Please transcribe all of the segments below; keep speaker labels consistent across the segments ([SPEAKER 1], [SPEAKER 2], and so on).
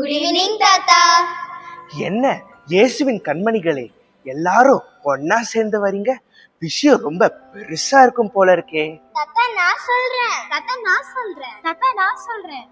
[SPEAKER 1] Good evening தாத்தா.
[SPEAKER 2] என்ன இயேசுவின் கண்மணிகளே, எல்லாரும் ஒன்னா சேர்ந்து வரீங்க. விஷயம் ரொம்ப பெருசா இருக்கும் போல இருக்கே.
[SPEAKER 1] தாத்தா நான் சொல்றேன். தாத்தா நான் சொல்றேன். தாத்தா நான் சொல்றேன்.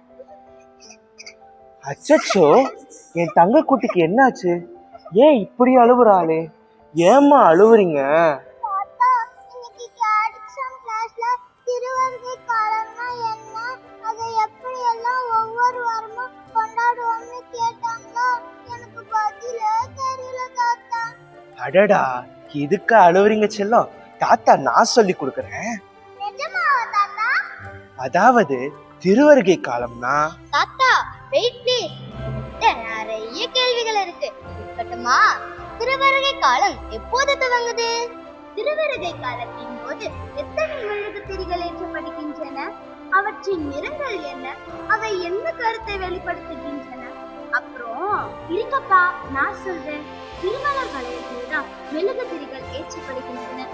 [SPEAKER 2] அச்சச்சோ, என் தங்க குட்டிக்கு என்னாச்சு? ஏன் இப்படி அழுவுறாளே? ஏம்மா அழுவுறீங்க?
[SPEAKER 1] தாத்தா, இன்னைக்கு கேடிக்ஸம் கிளாஸ்ல திருவருகை காலம்னா என்ன, அதை எப்படி எல்லாம் ஒவ்வொரு வாரமும் கொண்டாடுவோம்னு கேட்டாங்களா? எனக்கு பதிலே தெரியல தாத்தா.
[SPEAKER 2] அடடா, இதுக்கு அழுவுறீங்க செல்லம்? தாத்தா நான் சொல்லி கொடுக்கறேன்.
[SPEAKER 1] நிஜமாவா தாத்தா?
[SPEAKER 2] அதாவது திருவருகை காலம்னா
[SPEAKER 1] தாத்தா வெயிட் ப்ளீஸ், நிறைய கேள்விகள் இருக்கு. இருக்கட்டுமா? திருவருகை காலம் எப்போது துவங்குது? திருவருகை காலத்தின் போது எத்தனை மெழுகுதிரிகள் ஏற்றப்படுகின்றன? அவற்றின் நிறங்கள் என்ன? அவை என்ன கருத்தை வெளிப்படுத்துகின்றன? அப்புறம் இருக்கப்பா, நான் சொல்றேன். திருமலர் வளையத்தில்தான் மெழுகுதிரிகள் ஏற்றப்படுகின்றன.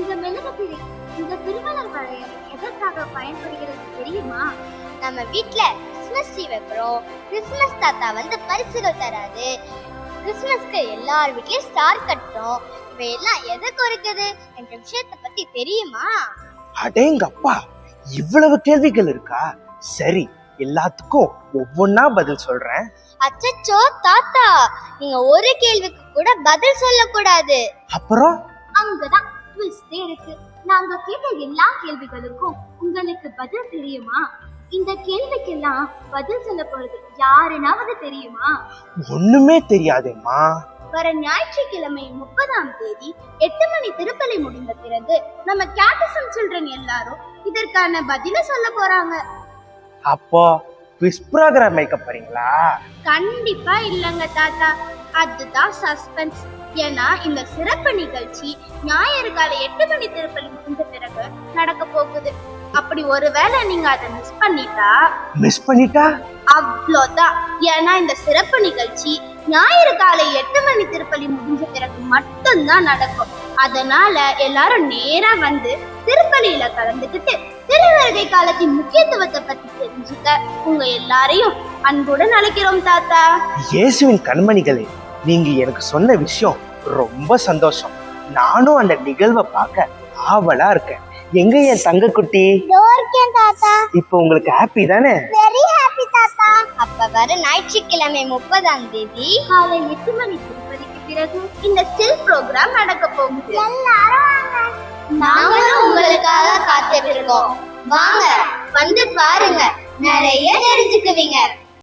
[SPEAKER 1] இந்த திருமலர் வளையம் எதற்காக பயன்படுகிறது தெரியுமா? நம்ம வீட்ல கிறிஸ்மஸ் ட்ரீ வைக்கிறோம். கிறிஸ்மஸ் தாத்தா வந்து பரிசுகள் தராது. கிறிஸ்மஸ்க்கு எல்லார் வீட்லயும் ஸ்டார் கட்டுறோம். இவையெல்லாம் எதை குறிக்குது என்ற விஷயத்தை பத்தி தெரியுமா?
[SPEAKER 2] அடேங்கப்பா, இவ்வளவு கேள்விகள் இருக்கா? சரி, எல்லாத்துக்கும் ஒவ்வொன்னா பதில் சொல்றேன்.
[SPEAKER 1] அச்சச்சோ தாத்தா, நீங்க ஒரு கேள்விக்கு கூட பதில் சொல்லக்கூடாது.
[SPEAKER 2] அப்புறம்
[SPEAKER 1] அங்கதான் ட்விஸ்டே இருக்கு. நாங்க கேட்ட எல்லா கேள்விகளுக்கும் உங்களுக்கு பதில் தெரியுமா? இந்த கேள்விக்கெல்லாம் பதில் சொல்ல போறது யாருனாவது தெரியுமா?
[SPEAKER 2] ஒண்ணுமே தெரியாதேம்மா.
[SPEAKER 1] வர ஞாயிற்றுக்கிழமை 30ஆம் தேதி 8 மணி திருப்பலி முடிந்த பிறகு நம்ம கேட்டிசம் சில்ட்ரன் எல்லாரும் இதற்கான பதில சொல்ல போறாங்க.
[SPEAKER 2] அப்போ குவிஸ் ப்ரோகிராம் வைக்க போறீங்களா?
[SPEAKER 1] கண்டிப்பா இல்லங்க தாத்தா, அதுதான் சஸ்பென்ஸ். ஏன்னா இந்த சிறப்பு நிகழ்ச்சி ஞாயிறு காலை 8 மணி திருப்பலி முடிந்த பிறகு நடக்க போகுது. அப்படி ஒருவேளை நீங்க அதை மிஸ் பண்ணிட்டா அவ்வளோதான். ஏன்னா இந்த சிறப்பு நிகழ்ச்சி ஞாயிறு காலை 8 மணி திருப்பலி முடிஞ்ச பிறகு மட்டும்தான் நடக்கும். அதனால எல்லாரும் நேரா வந்து திருப்பலியில கலந்துக்கிட்டு திருவருகை காலத்தின் முக்கியத்துவத்தை பத்தி தெரிஞ்சுக்க உங்க எல்லாரையும் அன்புடன் அழைக்கிறோம் தாத்தா.
[SPEAKER 2] இயேசுவின் கண்மணிகளே, நீங்க எனக்கு சொன்ன விஷயம் ரொம்ப சந்தோஷம். நானும் அந்த நிகழ்வை பார்க்க ஆவலா இருக்கேன். எங்க என் தங்க குட்டி?
[SPEAKER 1] தாத்தா,
[SPEAKER 2] இப்போ உங்களுக்கு ஹாப்பி தானே?
[SPEAKER 1] வெரி ஹாப்பி தாத்தா. அப்ப வர ஞாயிற்றுக்கிழமை 30ஆம் தேதி காலை 8 மணி திருப்பலிக்கு பிறகு இந்த ஸ்டில் ப்ரோக்ராம் நடக்க போகுது. எல்லாரும் வாங்க. நாங்களும் உங்களுக்காக காத்துட்டு இருக்கோம். வாங்க, வந்து பாருங்க, நிறைய தெரிஞ்சுக்குவீங்க.